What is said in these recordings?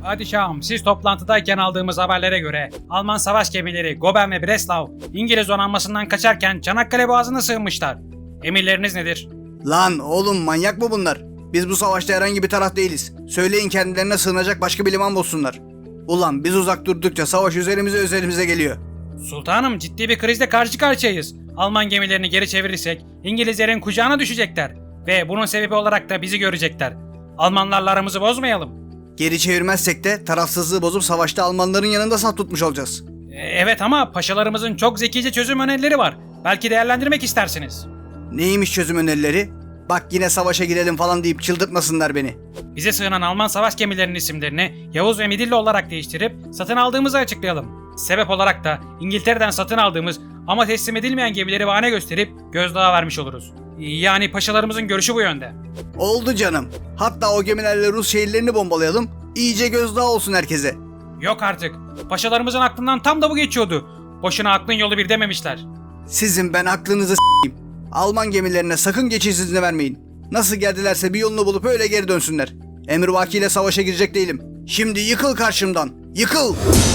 Padişahım, siz toplantıdayken aldığımız haberlere göre Alman savaş gemileri Goben ve Breslau İngiliz donanmasından kaçarken Çanakkale Boğazı'na sığınmışlar. Emirleriniz nedir? Lan oğlum, manyak mı bunlar? Biz bu savaşta herhangi bir taraf değiliz. Söyleyin kendilerine sığınacak başka bir liman bulsunlar. Ulan biz uzak durdukça savaş üzerimize geliyor. Sultanım, ciddi bir krizle karşı karşıyayız. Alman gemilerini geri çevirirsek İngilizlerin kucağına düşecekler. Ve bunun sebebi olarak da bizi görecekler. Almanlarla aramızı bozmayalım. Geri çevirmezsek de tarafsızlığı bozup savaşta Almanların yanında saf tutmuş olacağız. Evet, ama paşalarımızın çok zekice çözüm önerileri var. Belki değerlendirmek istersiniz. Neymiş çözüm önerileri? Bak yine savaşa girelim falan deyip çıldırtmasınlar beni. Bize sığınan Alman savaş gemilerinin isimlerini Yavuz ve Midilli olarak değiştirip satın aldığımızı açıklayalım. Sebep olarak da İngiltere'den satın aldığımız ama teslim edilmeyen gemileri bahane gösterip gözdağı vermiş oluruz. Yani paşalarımızın görüşü bu yönde. Oldu canım. Hatta o gemilerle Rus şehirlerini bombalayalım. İyice gözdağı olsun herkese. Yok artık. Paşalarımızın aklından tam da bu geçiyordu. Boşuna aklın yolu bir dememişler. Sizin ben aklınızı s**eyim. Alman gemilerine sakın geçiş izni vermeyin. Nasıl geldilerse bir yolunu bulup öyle geri dönsünler. Emrivakiyle savaşa girecek değilim. Şimdi yıkıl karşımdan. Yıkıl!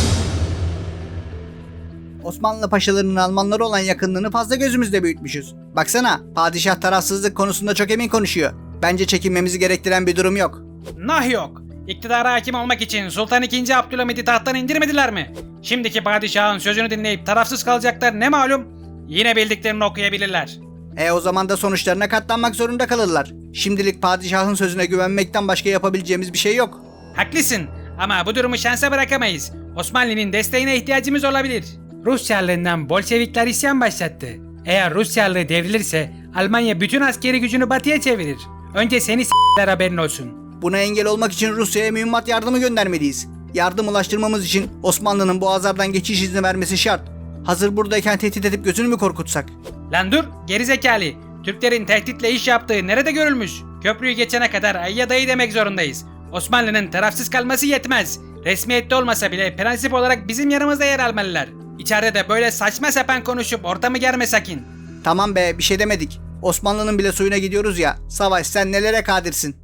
Osmanlı paşalarının Almanlara olan yakınlığını fazla gözümüzde büyütmüşüz. Baksana, padişah tarafsızlık konusunda çok emin konuşuyor. Bence çekinmemizi gerektiren bir durum yok. Nah yok. İktidara hakim olmak için Sultan II. Abdülhamid'i tahttan indirmediler mi? Şimdiki padişahın sözünü dinleyip tarafsız kalacaklar ne malum? Yine bildiklerini okuyabilirler. O zaman da sonuçlarına katlanmak zorunda kalırlar. Şimdilik padişahın sözüne güvenmekten başka yapabileceğimiz bir şey yok. Haklısın ama bu durumu şansa bırakamayız. Osmanlı'nın desteğine ihtiyacımız olabilir. Rus Çarlığından Bolşevikler isyan başlattı. Eğer Rus Çarlığı devrilirse Almanya bütün askeri gücünü batıya çevirir. Önce seni s**ler, haberin olsun. Buna engel olmak için Rusya'ya mühimmat yardımı göndermeliyiz. Yardım ulaştırmamız için Osmanlı'nın boğazlardan geçiş izni vermesi şart. Hazır buradayken tehdit edip gözünü mü korkutsak? Lan dur gerizekalı. Türklerin tehditle iş yaptığı nerede görülmüş? Köprüyü geçene kadar ayya dayı demek zorundayız. Osmanlı'nın tarafsız kalması yetmez. Resmiyette olmasa bile prensip olarak bizim yanımızda yer almalılar. İçeride de böyle saçma sapan konuşup ortamı germe sakin. Tamam be, bir şey demedik. Osmanlı'nın bile suyuna gidiyoruz ya. Savaş, sen nelere kadirsin?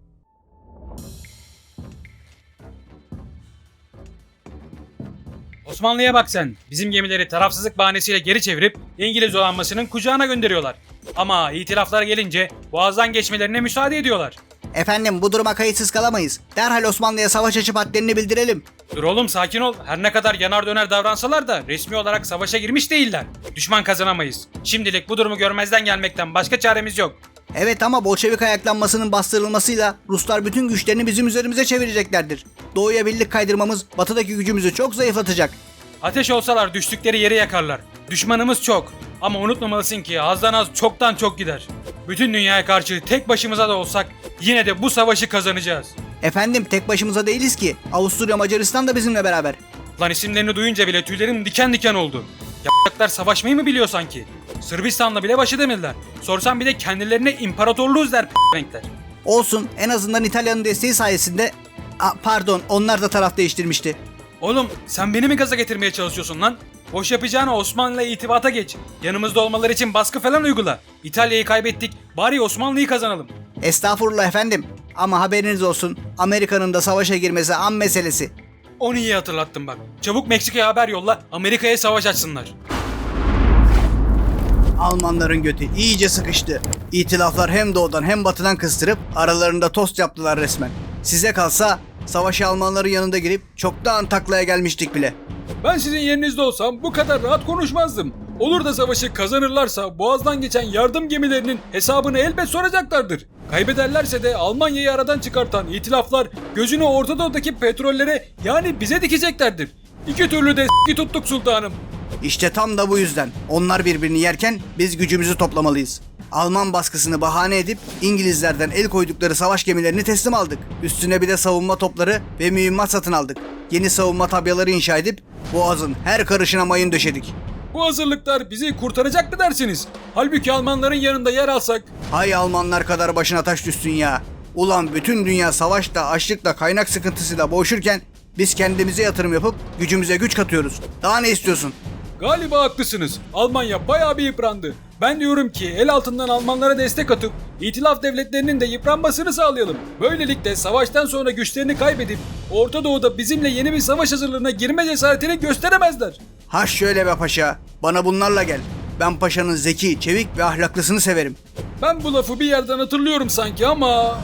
Osmanlı'ya bak sen. Bizim gemileri tarafsızlık bahanesiyle geri çevirip İngiliz donanmasının kucağına gönderiyorlar. Ama itilaflara gelince boğazdan geçmelerine müsaade ediyorlar. Efendim, bu duruma kayıtsız kalamayız. Derhal Osmanlı'ya savaş açıp hadlerini bildirelim. Dur oğlum, sakin ol. Her ne kadar yanar döner davransalar da resmi olarak savaşa girmiş değiller. Düşman kazanamayız. Şimdilik bu durumu görmezden gelmekten başka çaremiz yok. Evet, ama Bolşevik ayaklanmasının bastırılmasıyla Ruslar bütün güçlerini bizim üzerimize çevireceklerdir. Doğuya birlik kaydırmamız batıdaki gücümüzü çok zayıflatacak. Ateş olsalar düştükleri yeri yakarlar. Düşmanımız çok. Ama unutmamalısın ki azdan az çoktan çok gider. Bütün dünyaya karşı tek başımıza da olsak yine de bu savaşı kazanacağız. Efendim, tek başımıza değiliz ki. Avusturya, Macaristan da bizimle beraber. Lan isimlerini duyunca bile tüylerim diken diken oldu. Y***lar savaşmayı mı biliyor sanki? Sırbistan'la bile baş edemediler. Sorsam bir de kendilerine imparatorluğuz der renkler. Olsun, en azından İtalya'nın desteği sayesinde... Pardon, onlar da taraf değiştirmişti. Oğlum sen beni mi gaza getirmeye çalışıyorsun lan? Boş yapacağına Osmanlı'yla itibata geç. Yanımızda olmaları için baskı falan uygula. İtalya'yı kaybettik, bari Osmanlı'yı kazanalım. Estağfurullah efendim. Ama haberiniz olsun, Amerika'nın da savaşa girmesi an meselesi. Onu iyi hatırlattın bak. Çabuk Meksika'ya haber yolla, Amerika'ya savaş açsınlar. Almanların götü iyice sıkıştı. İtilaflar hem doğudan hem batıdan kıstırıp aralarında tost yaptılar resmen. Size kalsa savaşa Almanların yanında girip çoktan taklaya gelmiştik bile. Ben sizin yerinizde olsam bu kadar rahat konuşmazdım. Olur da savaşı kazanırlarsa boğazdan geçen yardım gemilerinin hesabını elbet soracaklardır. Kaybederlerse de Almanya'yı aradan çıkartan itilaflar gözünü Orta Doğu'daki petrollere, yani bize dikeceklerdir. İki türlü de tuttuk sultanım. İşte tam da bu yüzden onlar birbirini yerken biz gücümüzü toplamalıyız. Alman baskısını bahane edip İngilizlerden el koydukları savaş gemilerini teslim aldık. Üstüne bir de savunma topları ve mühimmat satın aldık. Yeni savunma tabyaları inşa edip Boğaz'ın her karışına mayın döşedik. Bu hazırlıklar bizi kurtaracak mı dersiniz? Halbuki Almanların yanında yer alsak... Hay Almanlar kadar başına taş düşsün ya. Ulan bütün dünya savaşla, açlıkla, kaynak sıkıntısıyla boğuşurken biz kendimize yatırım yapıp gücümüze güç katıyoruz. Daha ne istiyorsun? Galiba haklısınız. Almanya bayağı bir yıprandı. Ben diyorum ki el altından Almanlara destek atıp İtilaf devletlerinin de yıpranmasını sağlayalım. Böylelikle savaştan sonra güçlerini kaybedip Orta Doğu'da bizimle yeni bir savaş hazırlığına girme cesaretini gösteremezler. Ha şöyle be paşa, bana bunlarla gel. Ben paşanın zeki, çevik ve ahlaklısını severim. Ben bu lafı bir yerden hatırlıyorum sanki ama...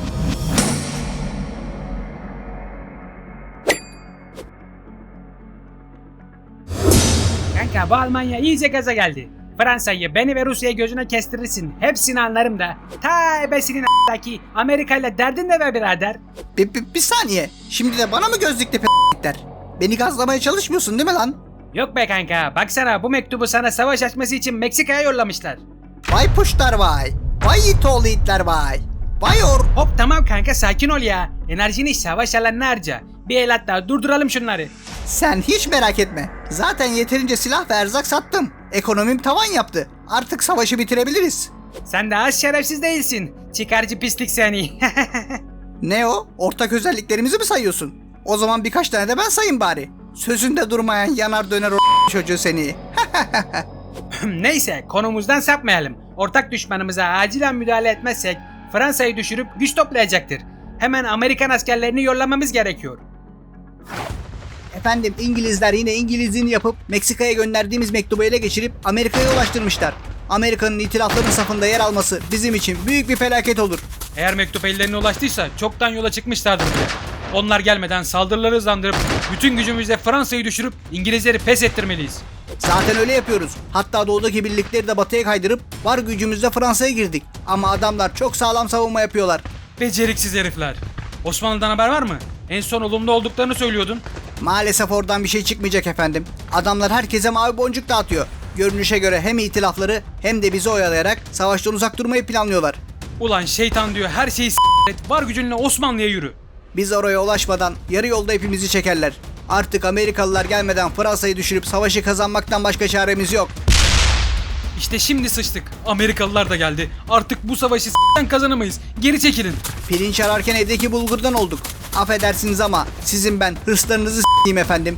Kanka bu Almanya iyice gaza geldi. Fransa'yı, beni ve Rusya'yı gözüne kestirirsin. Hepsini anlarım da. Ta ebesinin a**daki Amerika ile derdin de be birader. Bir saniye, şimdi de bana mı gözlükle p***ler? Beni gazlamaya çalışmıyorsun değil mi lan? Yok be kanka, baksana bu mektubu sana savaş açması için Meksika'ya yollamışlar. Vay puşlar vay, vay it oğlu itler vay. Vay Hop tamam kanka, sakin ol ya. Enerjini savaş alanına harca. Bir el hatta durduralım şunları. Sen hiç merak etme. Zaten yeterince silah ve erzak sattım. Ekonomim tavan yaptı. Artık savaşı bitirebiliriz. Sen de az şerefsiz değilsin. Çıkarcı pislik seni. Ne o? Ortak özelliklerimizi mi sayıyorsun? O zaman birkaç tane de ben sayayım bari. Sözünde durmayan yanar döner o çocuğu seni. Neyse, konumuzdan sapmayalım. Ortak düşmanımıza acilen müdahale etmezsek Fransa'yı düşürüp güç toplayacaktır. Hemen Amerikan askerlerini yollamamız gerekiyor. Efendim, İngilizler yine İngilizliğini yapıp Meksika'ya gönderdiğimiz mektubu ele geçirip Amerika'ya ulaştırmışlar. Amerika'nın itilafların safında yer alması bizim için büyük bir felaket olur. Eğer mektup ellerine ulaştıysa çoktan yola çıkmışlardır bile. Onlar gelmeden saldırıları hızlandırıp bütün gücümüzle Fransa'yı düşürüp İngilizleri pes ettirmeliyiz. Zaten öyle yapıyoruz. Hatta doğudaki birlikleri de batıya kaydırıp var gücümüzle Fransa'ya girdik. Ama adamlar çok sağlam savunma yapıyorlar. Beceriksiz herifler. Osmanlı'dan haber var mı? En son olumlu olduklarını söylüyordun. Maalesef oradan bir şey çıkmayacak efendim. Adamlar herkese mavi boncuk dağıtıyor. Görünüşe göre hem itilafları hem de bizi oyalayarak savaştan uzak durmayı planlıyorlar. Ulan şeytan diyor, her şeyi s**t, var gücünle Osmanlı'ya yürü. Biz oraya ulaşmadan yarı yolda hepimizi çekerler. Artık Amerikalılar gelmeden Fransa'yı düşürüp savaşı kazanmaktan başka çaremiz yok. İşte şimdi sıçtık. Amerikalılar da geldi. Artık bu savaşı s**ten kazanamayız. Geri çekilin. Pirinç ararken evdeki bulgurdan olduk. Affedersiniz ama sizin ben hırslarınızı s**eyim efendim.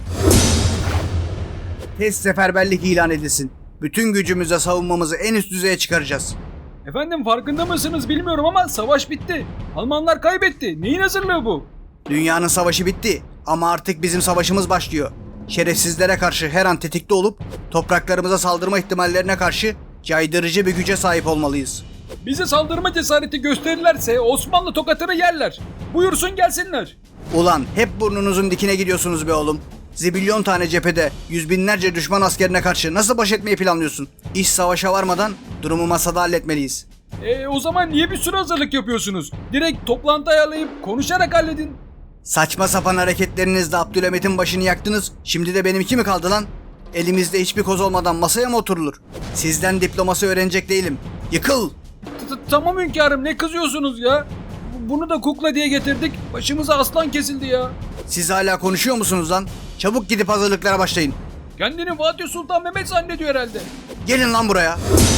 Test seferberlik ilan edilsin. Bütün gücümüzle savunmamızı en üst düzeye çıkaracağız. Efendim farkında mısınız bilmiyorum ama savaş bitti. Almanlar kaybetti. Neyin hazırlığı bu? Dünyanın savaşı bitti ama artık bizim savaşımız başlıyor. Şerefsizlere karşı her an tetikte olup topraklarımıza saldırma ihtimallerine karşı caydırıcı bir güce sahip olmalıyız. Bize saldırma cesareti gösterirlerse Osmanlı tokatını yerler. Buyursun gelsinler. Ulan hep burnunuzun dikine gidiyorsunuz be oğlum. Zibilyon tane cephede yüz binlerce düşman askerine karşı nasıl baş etmeyi planlıyorsun? İş savaşa varmadan durumu masada halletmeliyiz. O zaman niye bir sürü hazırlık yapıyorsunuz? Direkt toplantı ayarlayıp konuşarak halledin. Saçma sapan hareketlerinizle Abdülhamit'in başını yaktınız. Şimdi de benimki mi kaldı lan? Elimizde hiçbir koz olmadan masaya mı oturulur? Sizden diplomasi öğrenecek değilim. Yıkıl! Tamam hünkârım, ne kızıyorsunuz ya? Bunu da kukla diye getirdik. Başımıza aslan kesildi ya. Siz hala konuşuyor musunuz lan? Çabuk gidip hazırlıklara başlayın. Kendini Fatih Sultan Mehmet zannediyor herhalde. Gelin lan buraya.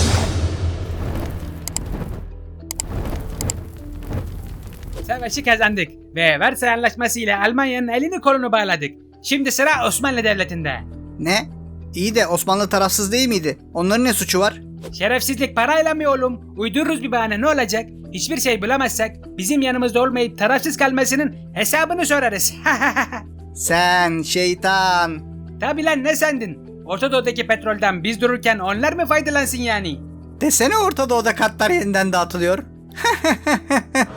Savaşı kazandık ve Versay Anlaşması ile Almanya'nın elini kolunu bağladık. Şimdi sıra Osmanlı Devleti'nde. Ne? İyi de Osmanlı tarafsız değil miydi? Onların ne suçu var? Şerefsizlik parayla mı oğlum? Uydururuz bir bahane, ne olacak? Hiçbir şey bulamazsak bizim yanımızda olmayıp tarafsız kalmasının hesabını sorarız. Sen şeytan. Tabi lan, ne sandın? Orta Doğu'daki petrolden biz dururken onlar mı faydalansın yani? Desene Orta Doğu'da katlar yeniden dağıtılıyor.